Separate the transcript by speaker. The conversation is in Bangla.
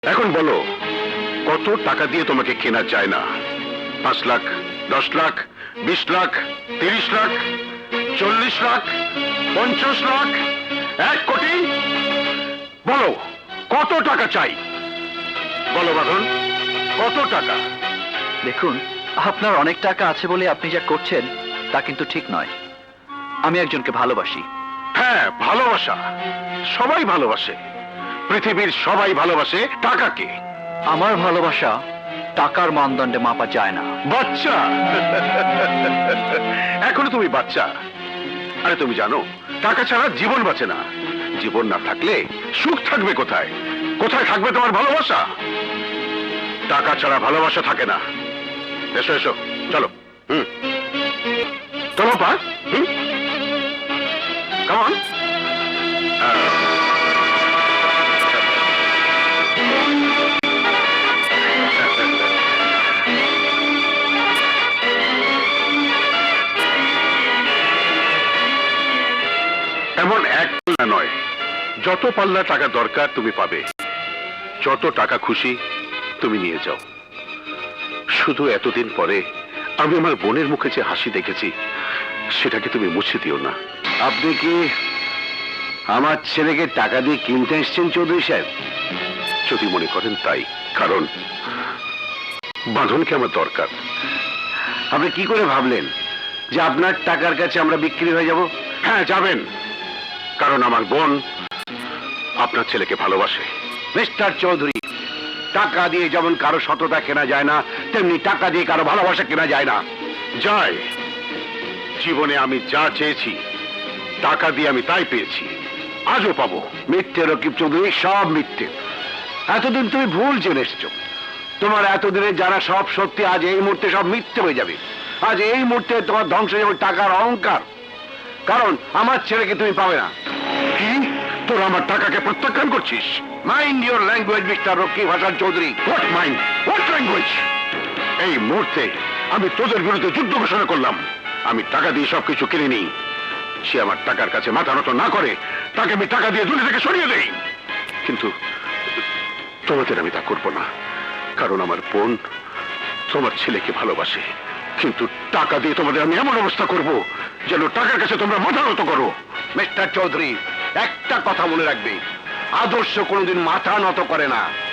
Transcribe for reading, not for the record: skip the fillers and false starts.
Speaker 1: এখন বলো, কত টাকা দিয়ে তোমাকে কেনা যায় না? 5 লাখ, 10 লাখ, 20 লাখ, 30 লাখ, 40 লাখ, 50 লাখ, 1 কোটি? বলো, কত টাকা চাই? বলো বাঁধন, কত টাকা?
Speaker 2: দেখুন, আপনার অনেক টাকা আছে বলে আপনি যা করছেন তা কিন্তু ঠিক নয়। আমি একজনকে ভালোবাসি।
Speaker 1: হ্যাঁ, ভালোবাসা সবাই ভালোবাসে, পৃথিবীর সবাই ভালোবাসে টাকাকে।
Speaker 2: আমার ভালোবাসা টাকার মানদণ্ডে মাপা যায় না।
Speaker 1: বাচ্চা, এখনো তুমি বাচ্চা। আরে তুমি জানো, টাকা ছাড়া জীবন বাঁচে না। জীবন না থাকলে সুখ থাকবে কোথায়? কোথায় থাকবে তোমার ভালোবাসা? টাকা ছাড়া ভালোবাসা থাকে না। এসো এসো, চলো। চলো পা। কেমন? এমন এক পাল্লা নয়, যত পাল্লা টাকা দরকার তুমি পাবে। যত টাকা খুশি তুমি নিয়ে যাও। শুধু এতদিন পরে আমি আমার বোনের মুখে যে হাসি দেখেছি, সেটাকে তুমি মুছে দিও না।
Speaker 3: আপনি কি আমার ছেলেকে টাকা দিয়ে কিনতে এসছেন চৌধুরী সাহেব?
Speaker 1: যদি মনে করেন তাই, কারণ বাঁধনকে আমার দরকার।
Speaker 3: আপনি কি করে ভাবলেন যে আপনার টাকার কাছে আমরা বিক্রি হয়ে যাব?
Speaker 1: হ্যাঁ, যাবেন, কারণ আমার বোন আপনার ছেলেকে ভালোবাসে।
Speaker 3: মিস্টার চৌধুরী, টাকা দিয়ে যেমন কারো সততা কেনা যায় না, তেমনি টাকা দিয়ে কারো ভালোবাসা কেনা যায় না।
Speaker 1: যায়। জীবনে আমি যা চেয়েছি টাকা দিয়ে আমি তাই পেয়েছি, আজও পাবো।
Speaker 3: মিথ্যে রকিব চৌধুরী, সব মিথ্যে। এতদিন তুমি ভুল জেনে এসছো। তোমার এতদিনে যারা সব সত্যি আজ এই মুহূর্তে সব মিথ্যে হয়ে যাবে। আজ এই মুহূর্তে তোমার ধ্বংস হয়ে যাবে টাকার অহংকার। কারণ আমার ছেলেকে তুমি পাবে না।
Speaker 1: কি? তোরা আমার টাকাকে প্রত্যাখ্যান করছিস?
Speaker 3: Mind your language Mister Rakib Hasan Chowdhury.
Speaker 1: What mind, what language? এই মুহূর্তে আমি তোদের বিরুদ্ধে যুদ্ধ ঘোষণা করলাম। আমি টাকা দিয়ে সবকিছু কিনে নিই। সে আমার টাকার কাছে মাথা নত না করে, তাকে আমি টাকা দিয়ে দুনিয়া থেকে সরিয়ে দেই। কিন্তু তোমাদের আমি তা করবো না, কারণ আমার বোন তোমার ছেলেকে ভালোবাসে। কিন্তু টাকা দিয়ে তোমাদের আমি এমন অবস্থা করব যেন টাকার কাছে তোমরা মাথা নত করো।
Speaker 3: মিস্টার চৌধুরী, একটা কথা মনে রাখবে, আদর্শ কোনোদিন মাথা নত করে না।